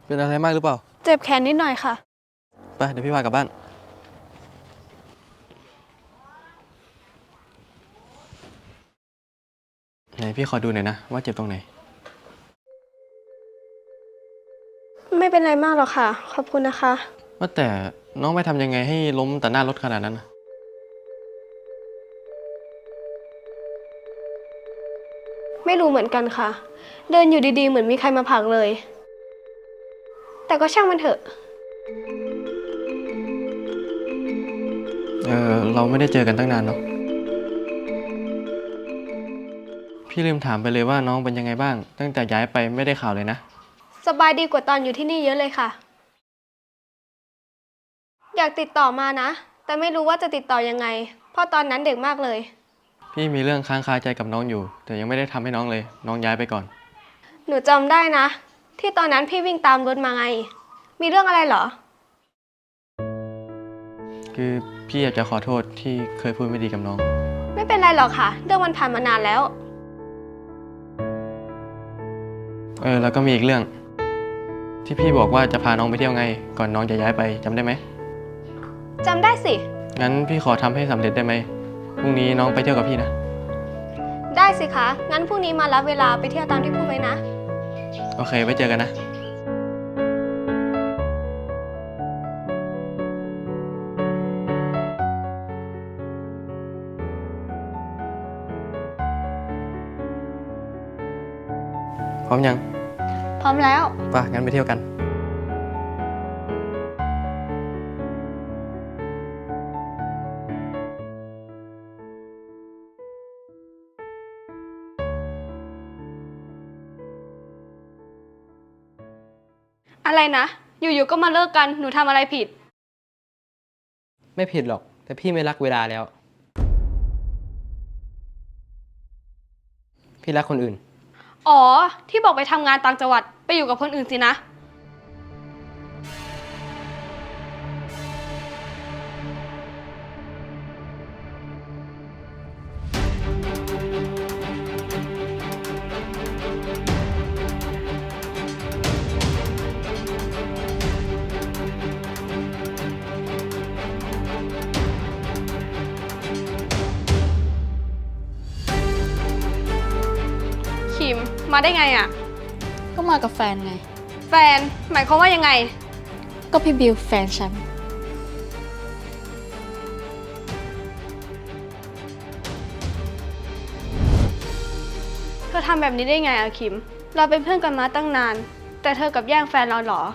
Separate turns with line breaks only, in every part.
เป็นอะไรมากหรือเปล่า
เจ็บแขนนิดหน่อยค่ะ
ไปเดี๋ยวพี่พากลับบ้านไหนพี่ขอดูหน่อยนะว่าเจ็บตรงไหน
ไม่เป็นไรมากหรอกค่ะ ขอบคุณนะคะ
ว่าแต่น้องไปทำยังไงให้ล้มต่อหน้ารถขนาดนั้นนะ
ไม่รู้เหมือนกันค่ะ เดินอยู่ดีๆเหมือนมีใครมาผลักเลย แต่ก็ช่างมันเถอะ
เราไม่ได้เจอกันตั้งนานเนาะพี่ลืมถามไปเลยว่าน้องเป็นยังไงบ้างตั้งแต่ย้ายไปไม่ได้ข่าวเลยนะ
สบายดีกว่าตอนอยู่ที่นี่เยอะเลยค่ะ อยากติดต่อมานะ แต่ไม่รู้ว่าจะติดต่อยังไง เพราะตอนนั้นเด็กมากเลย
พี่มีเรื่องค้างคาใจกับน้องอยู่แต่ยังไม่ได้ทำให้น้องเลยน้องย้ายไปก่อน
หนูจำได้นะ ที่ตอนนั้นพี่วิ่งตามรถมาไง มีเรื่องอะไรเหรอ
คือพี่อยากจะขอโทษที่เคยพูดไม่ดีกับน้อง
ไม่เป็นไรหรอกค่ะ เรื่องมันผ่านมานานแล้ว
แล้วก็มีอีกเรื่องที่พี่บอกว่าจะพาน้องไปเที่ยวไงก่อนน้องจะย้ายไปจำได้ไหม
จำได้สิ
งั้นพี่ขอทำให้สำเร็จได้ไหมพรุ่งนี้น้องไปเที่ยวกับพี่นะ
ได้สิคะ งั้นพรุ่งนี้มารับเวลาไปเที่ยวตามที่พูดไว้นะ
โอเคไว้เจอกันนะพร้อมยัง
พร้อมแล้ว
ป่ะงั้นไปเที่ยวกัน
อะไรนะ อยู่ๆก็มาเลิกกัน หนูทำอะไรผิด
ไม่ผิดหรอก แต่พี่ไม่รักเวลาแล้ว พี่รักคนอื่น
อ๋อ ที่บอกไปทำงานต่างจังหวัด ไปอยู่กับคนอื่นสินะ คิม มาได้ไงอะ
ก็มากับแฟนไง
แฟน หมายความว่ายังไง
ก็พี่บิวแฟนฉัน
เธอทำแบบนี้ได้ไงอะคิม เราเป็นเพื่อนกันมาตั้งนาน แต่เธอกับแย่งแฟนเราเหรอ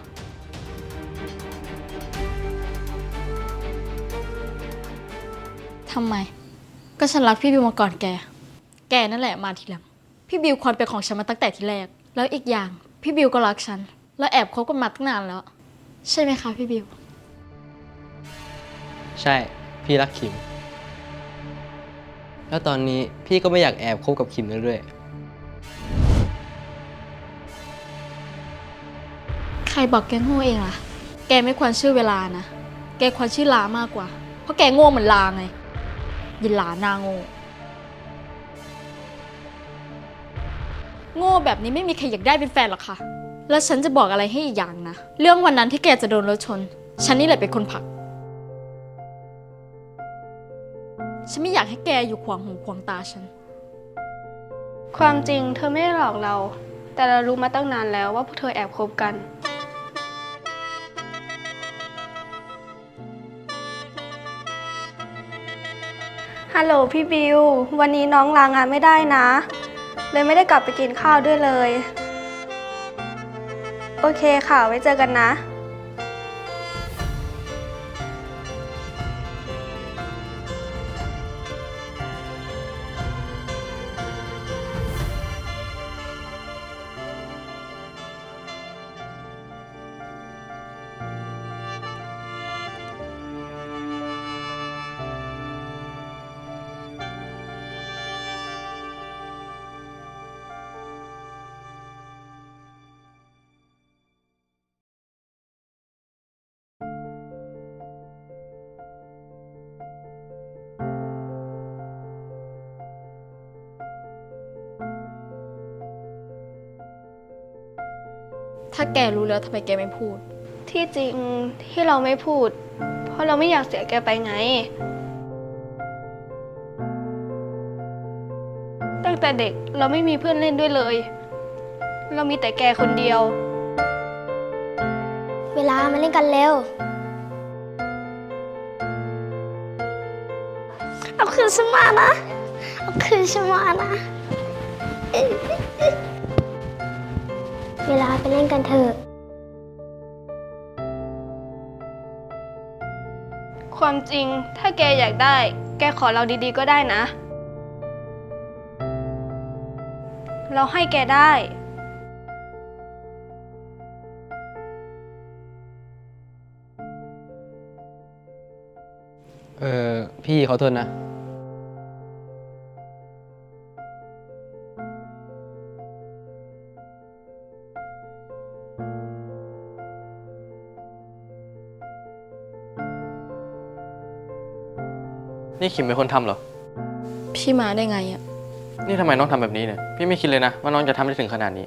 ทำไม ก็ฉันรักพี่บิวมาก่อนแก แกนั่นแหละมาทีหลัง พี่บิวควรเป็นของฉันมาตั้งแต่ที่แรก แล้วอีกอย่าง พี่บิวก็รักฉัน แล้วแอบคบกันมาตั้งนานแล้ว ใช่ไหมคะพี่บิว
ใช่ พี่รักขิม แล้วตอนนี้พี่ก็ไม่อยากแอบคบกับขิมแล้วด้วย
ใครบอกแกโง่เองล่ะ แกไม่ควรชื่อเวลานะ แกควรชื่อลามากกว่า เพราะแกโง่เหมือนลาไง ยินลาหน้าโง่ โง่แบบนี้ไม่มีใครอยากได้เป็นแฟนหรอกค่ะ แล้วฉันจะบอกอะไรให้อีกอย่างนะ เรื่องวันนั้นที่แกจะโดนรถชน ฉันนี่แหละเป็นคนผลัก ฉันไม่อยากให้แกอยู่ขวางหูขวางตาฉัน
ความจริงเธอไม่ได้หลอกเรา แต่เรารู้มาตั้งนานแล้วว่าพวกเธอแอบคบกัน ฮัลโหลพี่บิว วันนี้น้องลางานไม่ได้นะ เลยไม่ได้กลับไปกินข้าวด้วยเลย โอเคค่ะ ไว้เจอกันนะ
ถ้าแกรู้แล้วทำไมแกไม่พูด
ที่จริงที่เราไม่พูด เพราะเราไม่อยากเสียแกไปไง ตั้งแต่เด็กเราไม่มีเพื่อนเล่นด้วยเลย เรามีแต่แกคนเดียว
เวลามาเล่นกันเร็ว เอาคืนฉันมานะ เอาคืนฉันมานะ เวลาไปเล่นกันเถอะ
ความจริงถ้าแกอยากได้ แกขอเราดีๆก็ได้นะ เราให้แกได้
พี่ขอโทษนะ
นี่ขิมเป็นคนทำเหรอ
พี่มาได้ไงอะ
นี่ทำไมน้องทำแบบนี้เนี่ย พี่ไม่คิดเลยนะว่าน้องจะทำได้ถึงขนาดนี้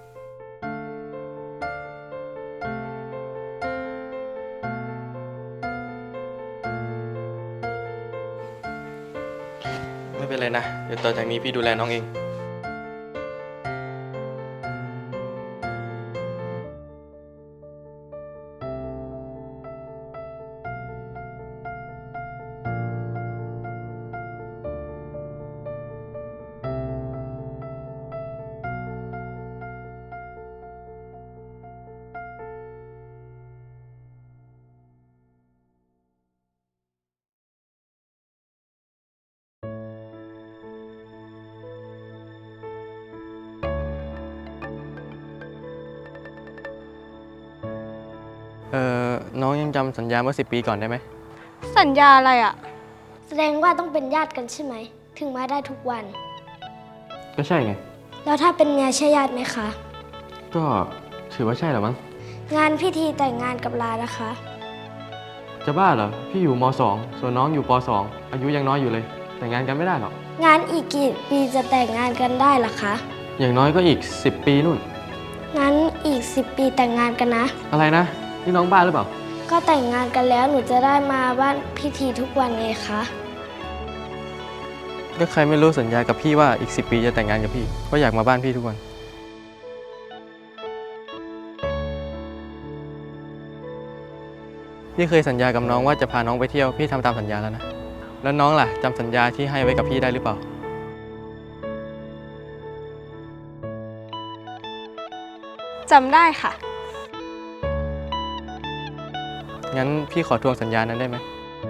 ไม่เป็นไรนะ เดี๋ยวต่อจากนี้พี่ดูแลน้องเอง น้องยังจำสัญญาเมื่อ10 ปีก่อนได้ไหม
สัญญาอะไรอ่ะ
แสดงว่าต้องเป็นญาติกันใช่ไหม ถึงมาได้ทุกวัน
ก็ใช่ไง
แล้วถ้าเป็นเมียใช่ญาติไหมคะ
ก็ถือว่าใช่เหรอมั้ง
งานพิธีแต่งงานกับลานะคะ
จะบ้าเหรอ พี่อยู่ม.2 ส่วนน้องอยู่ป.2 อายุยังน้อยอยู่เลย แต่งงานกันไม่ได้หรอก
งานอีกกี่ปีจะแต่งงานกันได้ล่ะคะ
อย่างน้อยก็อีก10 ปีนู่น
งั้นอีก 10 ปีแต่งงานกันนะ
อะไรนะ นี่น้องบ้าหรือเปล่า
ก็แต่งงานกันแล้วหนูจะได้มาบ้านพิธีทุกวันไงคะ
ก็ใครไม่รู้สัญญากับพี่ว่าอีก10 ปีจะแต่งงานกับพี่ก็อยากมาบ้านพี่ทุกวัน พี่เคยสัญญากับน้องว่าจะพาน้องไปเที่ยวพี่ทำตามสัญญาแล้วนะ แล้วน้องล่ะจำสัญญาที่ให้ไว้กับพี่ได้หรือเปล่า
จำได้ค่ะ
งั้นพี่ขอทวงสัญญานั้นได้ไหม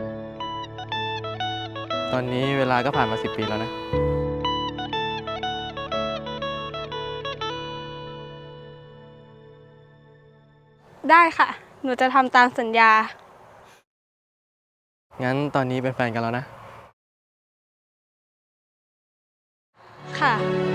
ตอนนี้เวลาก็ผ่านมา10 ปีแล้วนะ
ได้ค่ะ หนูจะทำตามสัญญา
งั้นตอนนี้เป็นแฟนกันแล้วนะ
ค่ะ